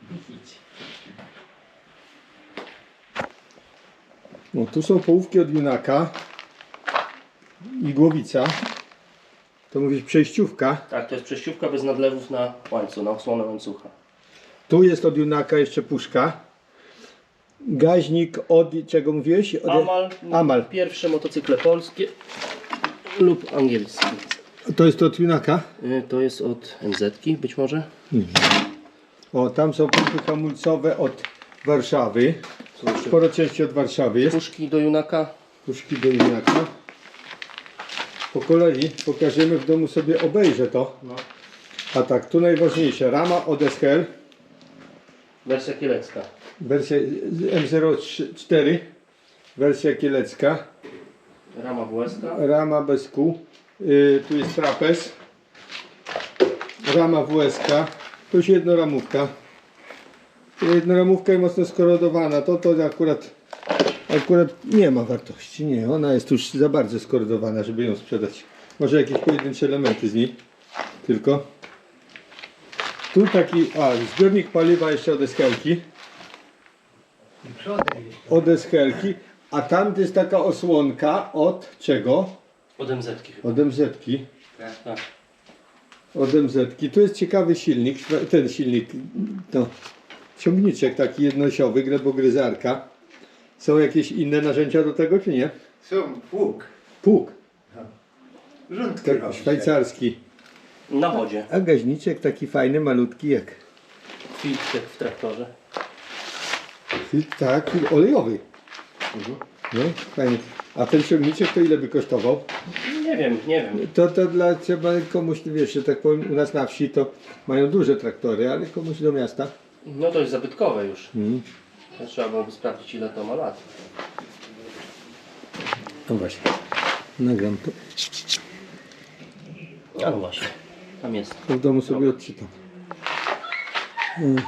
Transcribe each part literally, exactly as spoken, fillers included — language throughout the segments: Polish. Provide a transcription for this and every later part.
No tu są połówki od Junaka i głowica. To mówisz przejściówka. Tak, to jest przejściówka bez nadlewów na łańcuch, na osłonę łańcucha. Tu jest od Junaka jeszcze puszka. Gaźnik od czego mówiłeś? Od... Amal, Amal. Pierwsze motocykle polskie lub angielskie. To jest od Junaka. Y, To jest od M Z-ki być może. O, tam są pompy hamulcowe od Warszawy. Są jeszcze Sporo części od Warszawy jest. puszki do Junaka. Puszki do Junaka. Po kolei pokażemy w domu, sobie obejrzę to. No. A tak, tu najważniejsze. Rama od S H L. Wersja kielecka. Wersja M zero cztery. Wersja kielecka. Rama W S K. Rama bez kół. Yy, tu jest trapez. Rama W S K. Tu jest jednoramówka. Jednoramówka i mocno skorodowana. To to akurat, akurat nie ma wartości. Nie, ona jest już za bardzo skorodowana, żeby ją sprzedać. Może jakieś pojedyncze elementy z niej. Tylko. Tu taki, a zbiornik paliwa jeszcze od S H L-ki. Od S H L-ki. A tam jest taka osłonka od czego? Od M Z-ki chyba. Od M Z-ki. Tak. Od M Z-ki. Tu jest ciekawy silnik. Ten silnik, no, ciągniczek taki jednosiowy, glebogryzarka. Są jakieś inne narzędzia do tego, czy nie? Są pług. Pług. Rządki Tak, robi. szwajcarski. Na wodzie. A gaźniczek taki fajny, malutki jak. Filtr jak w traktorze. Tak, olejowy. Mhm. No, fajny. A ten ciągniczek to ile by kosztował? Nie wiem, nie wiem. To, to dla trzeba komuś, wiesz, że tak powiem, u nas na wsi to mają duże traktory, ale komuś do miasta. No to jest zabytkowe już. Mm. To trzeba byłoby sprawdzić, ile to ma lat. No właśnie. Nagram to. A no właśnie. Tam jest. To w domu sobie odczytam. Mm.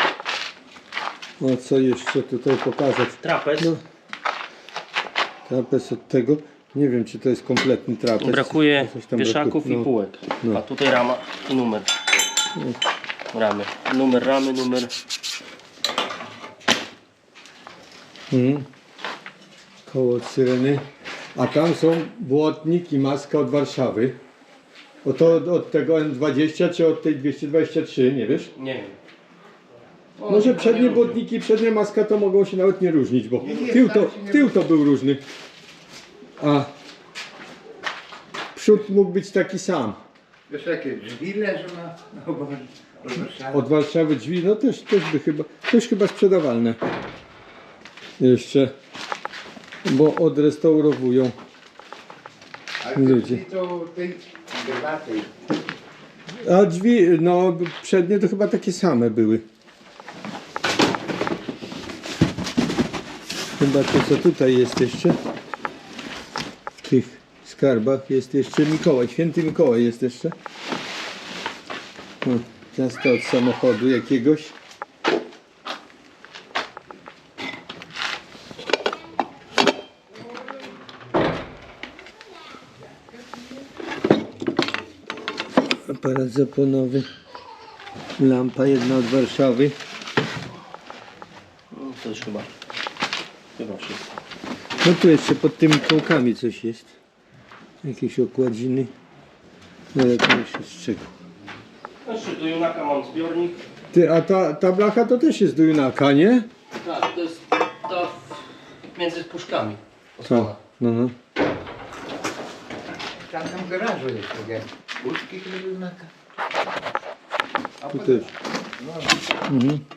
O, co jeszcze tutaj pokazać? Trapez. No. Trapez od tego. Nie wiem, czy to jest kompletny trapez. Brakuje Coś tam wieszaków brakuje. i No. półek. No. A tutaj rama i numer. Ramy. Numer ramy, numer. Mhm. Koło od syreny. A tam są błotnik i maska od Warszawy. O to od, od tego N dwadzieścia czy od tej dwieście dwadzieścia trzy, nie wiesz? Nie wiem. O, Może nie przednie różnią. błotniki, przednia maska to mogą się nawet nie różnić, bo tył to, tył to był różny. A przód mógł być taki sam. Wiesz, jakie drzwi leżą na, na oborze. Od Warszawy drzwi, no też, też by chyba, też chyba sprzedawalne. Jeszcze, bo odrestaurowują. Ale te ludzie. drzwi to tej debaty. A drzwi, no przednie to chyba takie same były. Chyba to, co tutaj jest jeszcze, w tych skarbach jest jeszcze Mikołaj, święty Mikołaj jest jeszcze. O, ciasto od samochodu jakiegoś. Aparat zaponowy. Lampa jedna od Warszawy. No, to już chyba. Chyba wszystko. No tu jeszcze pod tymi kołkami coś jest. Jakieś okładziny. No ale to już jest z czego. Znaczy, do Junaka mam zbiornik. Ty, a ta, ta blacha to też jest do Junaka, nie? Tak, to jest ta w- między puszkami. Co? No, no. Tam tam w garażu jest takie puszki, które były na... A Tu potem- też. No, Mhm.